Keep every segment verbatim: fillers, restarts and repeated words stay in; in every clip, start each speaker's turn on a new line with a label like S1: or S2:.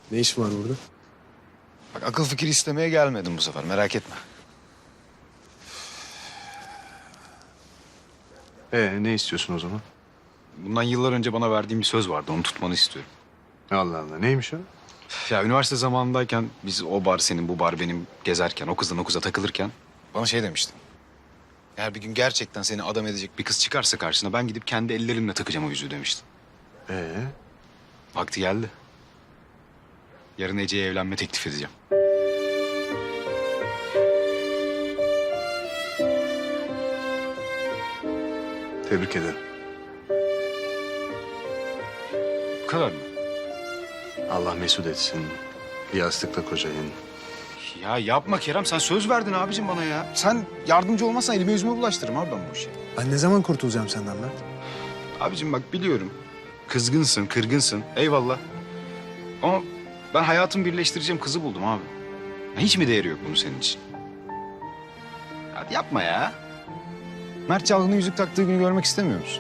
S1: Ne işin var burada?
S2: Bak akıl fikir istemeye gelmedim bu sefer, merak etme.
S1: Ee, ne istiyorsun o zaman?
S2: Bundan yıllar önce bana verdiğin bir söz vardı, onu tutmanı istiyorum.
S1: Allah Allah, neymiş o?
S2: Ya üniversite zamanındayken biz o bar senin, bu bar benim gezerken, o kızdan o kıza takılırken bana şey demiştin. Eğer bir gün gerçekten seni adam edecek bir kız çıkarsa karşına ben gidip kendi ellerimle takacağım o yüzüğü demiştin.
S1: Ee,
S2: Vakti geldi. Yarın Ece'ye evlenme teklif edeceğim.
S1: tebrik ederim.
S2: Bu kadar mı?
S1: Allah mesut etsin. Bir yastıkla kocayın.
S2: Ya yapma Kerem, sen söz verdin abicim bana ya. Sen yardımcı olmazsan elime yüzüme bulaştırırım abi ben bu işi.
S1: Ben ne zaman kurtulacağım senden Mert?
S2: Abicim bak biliyorum. Kızgınsın, kırgınsın. Eyvallah. Ama ben hayatımı birleştireceğim kızı buldum abi. Ya hiç mi değeri yok bunun senin için? Hadi yapma ya. Mert Çalgın'ın yüzük taktığı günü görmek istemiyor musun?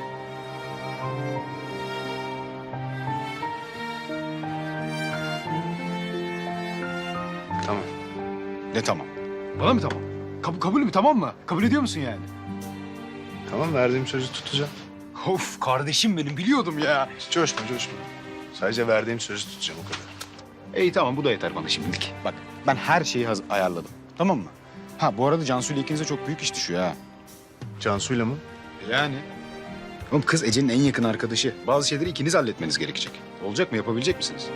S1: Tamam.
S2: Ne tamam? Bana mı tamam? Kab kabul mü tamam mı? Kabul ediyor musun yani?
S1: Tamam, verdiğim sözü tutacağım.
S2: Of kardeşim benim biliyordum ya.
S1: Coşma, coşma. Sadece verdiğim sözü tutacağım, o kadar.
S2: İyi tamam bu da yeter bana şimdilik. Bak ben her şeyi haz- ayarladım. Tamam mı? Ha bu arada Cansu ile ikinize çok büyük iş düşüyor ha.
S1: Cansu'yla mı?
S2: Yani. Oğlum kız Ece'nin en yakın arkadaşı. Bazı şeyleri ikiniz halletmeniz gerekecek. Olacak mı? Yapabilecek misiniz?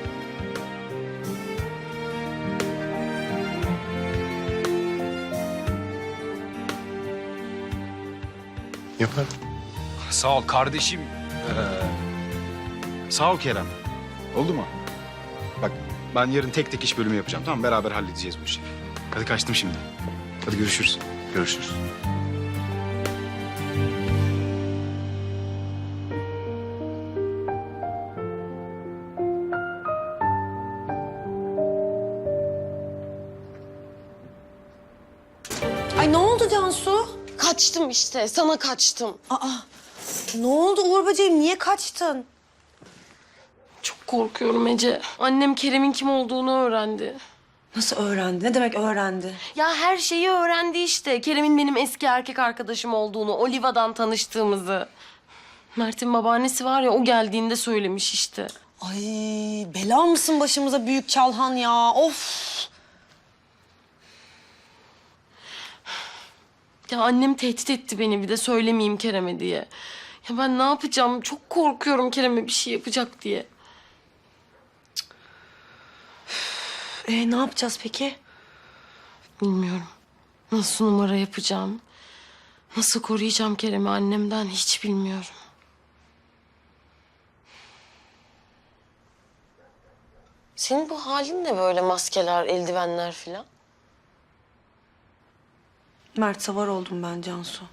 S1: Yaparım.
S2: Sağ ol kardeşim. Ee, sağ ol Kerem. Oldu mu? Bak ben yarın tek tek iş bölümü yapacağım. Tamam beraber halledeceğiz bu işi. Hadi kaçtım şimdi. Hadi görüşürüz.
S1: Görüşürüz.
S3: Ay ne oldu Cansu?
S4: Kaçtım işte, sana kaçtım.
S3: Aa, ne oldu Uğur böceğim? Niye kaçtın?
S4: Çok korkuyorum Ece. Annem Kerem'in kim olduğunu öğrendi.
S3: Nasıl öğrendi? Ne demek öğrendi?
S4: Ya her şeyi öğrendi işte. Kerem'in benim eski erkek arkadaşım olduğunu, Oliva'dan tanıştığımızı. Mert'in babaannesi var ya, o geldiğinde söylemiş işte.
S3: Ay bela mısın başımıza büyük çalhan ya? Of!
S4: Ya annem tehdit etti beni bir de söylemeyeyim Kerem'e diye. Ya ben ne yapacağım? Çok korkuyorum Kerem'e bir şey yapacak diye.
S3: Ee, ne yapacağız peki?
S4: Bilmiyorum. Nasıl numara yapacağım? Nasıl koruyacağım Kerem'i annemden hiç bilmiyorum. Senin bu halin ne böyle maskeler, eldivenler filan?
S3: Mert savar oldum ben Cansu.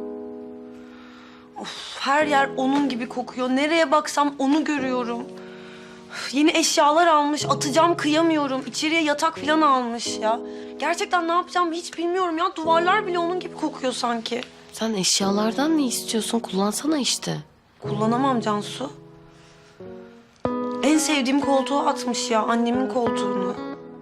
S3: Of, her yer onun gibi kokuyor. Nereye baksam onu görüyorum. Üf, yeni eşyalar almış. Atacağım kıyamıyorum. İçeriye yatak falan almış ya. Gerçekten ne yapacağım hiç bilmiyorum ya. Duvarlar bile onun gibi kokuyor sanki.
S4: Sen eşyalardan ne istiyorsun? Kullansana işte.
S3: Kullanamam Cansu. En sevdiğim koltuğu atmış ya. Annemin koltuğunu.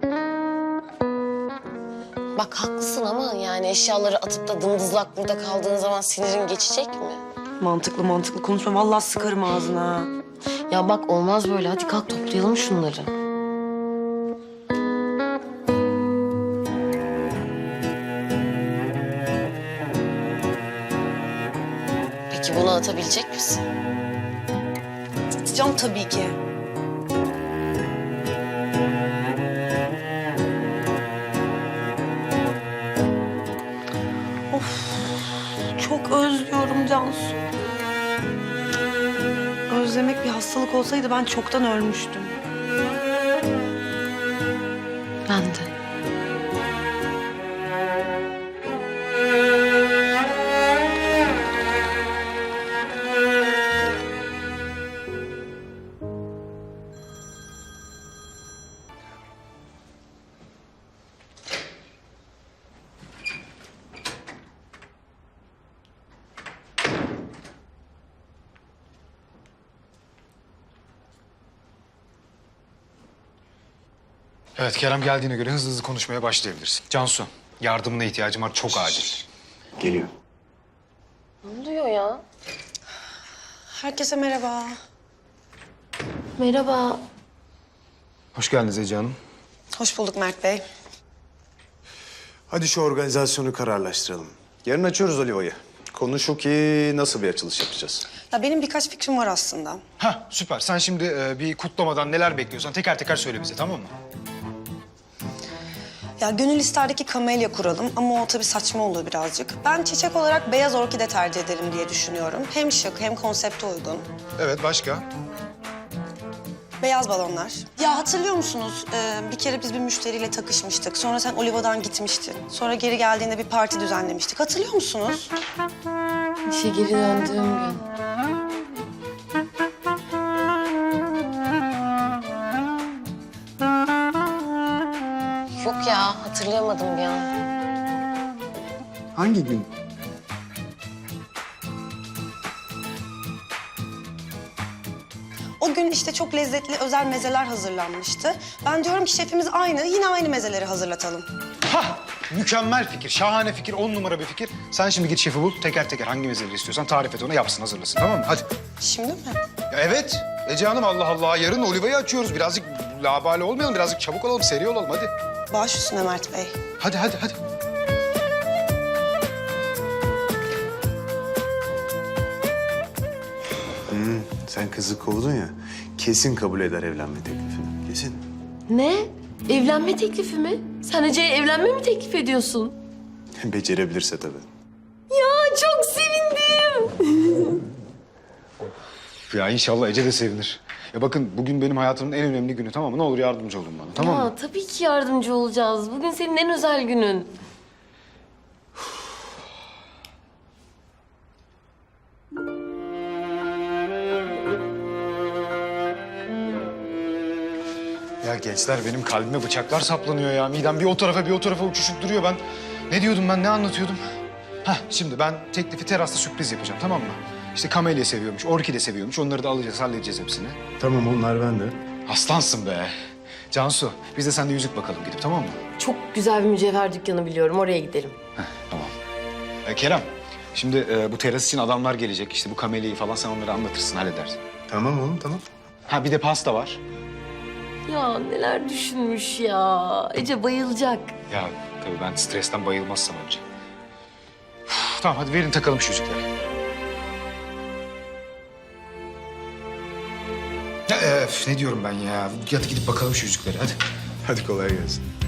S4: Bak haklısın ama yani eşyaları atıp da dımdızlak burada kaldığın zaman sinirin geçecek mi?
S3: Mantıklı mantıklı konuşma. Vallahi sıkarım ağzına. ha.
S4: Ya bak olmaz böyle. Hadi kalk toplayalım şunları. Peki bunu atabilecek misin?
S3: Atacağım tabii ki. Of, çok özlüyorum Cansu. Özlemek bir hastalık olsaydı ben çoktan ölmüştüm.
S4: Ben de.
S2: Evet, Kerem geldiğine göre hızlı hızlı konuşmaya başlayabilirsin. Cansu, yardımına ihtiyacım var, çok acil.
S1: Geliyor.
S4: Ne oluyor ya?
S3: Herkese merhaba.
S4: Merhaba.
S2: Hoş geldiniz Ece Hanım.
S3: Hoş bulduk Mert Bey.
S1: Hadi şu organizasyonu kararlaştıralım. Yarın açıyoruz Oliva'yı. Konu şu ki nasıl bir açılış yapacağız?
S3: Ya benim birkaç fikrim var aslında.
S2: Hah, süper. Sen şimdi e, bir kutlamadan neler bekliyorsan teker teker söyle bize, tamam mı?
S3: Ya gönül isterdi ki kamelya kuralım ama o tabii saçma olur birazcık. Ben çiçek olarak beyaz orkide tercih ederim diye düşünüyorum. Hem şık hem konsepte uygun.
S2: Evet, başka?
S3: Beyaz balonlar. Ya hatırlıyor musunuz? Ee, bir kere biz bir müşteriyle takışmıştık. Sonra sen Oliva'dan gitmiştin. Sonra geri geldiğinde bir parti düzenlemiştik. Hatırlıyor musunuz?
S4: İşe geri döndüğüm gün. Yok ya, hatırlayamadım bir an.
S1: Hangi gün?
S3: O gün işte çok lezzetli özel mezeler hazırlanmıştı. Ben diyorum ki şefimiz aynı, yine aynı mezeleri hazırlatalım.
S2: Hah, mükemmel fikir, şahane fikir, on numara bir fikir. Sen şimdi git şefi bul, teker teker hangi mezeleri istiyorsan tarif et ona, yapsın, hazırlasın, tamam mı? Hadi.
S3: Şimdi mi?
S2: Ya evet, Ece Hanım, Allah Allah. Yarın Oliva'yı açıyoruz. Birazcık labale olmayalım, birazcık çabuk olalım, seri olalım, hadi.
S3: Baş üstüne Mert Bey.
S2: Hadi, hadi, hadi.
S1: Sen kızı kovdun ya. Kesin kabul eder evlenme teklifini. Kesin.
S4: Ne? Evlenme teklifi mi? Sen Ece'ye evlenme mi teklif ediyorsun?
S1: Becerebilirse tabii.
S4: Ya çok sevindim.
S2: Ya inşallah Ece de sevinir. Ya bakın, bugün benim hayatımın en önemli günü, tamam mı? Ne olur yardımcı olun bana, tamam
S4: ya
S2: mı?
S4: tabii ki yardımcı olacağız. Bugün senin en özel günün.
S2: Ya gençler, benim kalbime bıçaklar saplanıyor ya. Midem bir o tarafa bir o tarafa uçuşup duruyor. Ben ne diyordum, ben ne anlatıyordum? Hah, şimdi ben teklifi terasta sürpriz yapacağım, tamam mı? İşte kamelya seviyormuş, orkide seviyormuş. Onları da alacağız, halledeceğiz hepsini.
S1: Tamam, onlar bende.
S2: Aslansın be. Cansu, biz de sende yüzük bakalım gidip, tamam mı?
S4: Çok güzel bir mücevher dükkanı biliyorum. Oraya gidelim.
S2: Tamam. Ee, Kerem, şimdi e, bu teras için adamlar gelecek. İşte bu kamelyayı falan sen onlara anlatırsın, halledersin.
S1: Tamam oğlum, tamam.
S2: Ha, bir de pasta var.
S4: Ya neler düşünmüş ya. Ece bayılacak.
S2: Ya tabii ben stresten bayılmazsam önce. Uf, tamam, hadi verin takalım şu yüzükleri. Ya, e, üf, ne diyorum ben ya? Hadi gidip bakalım şu yüzüklere, hadi.
S1: Hadi kolay gelsin.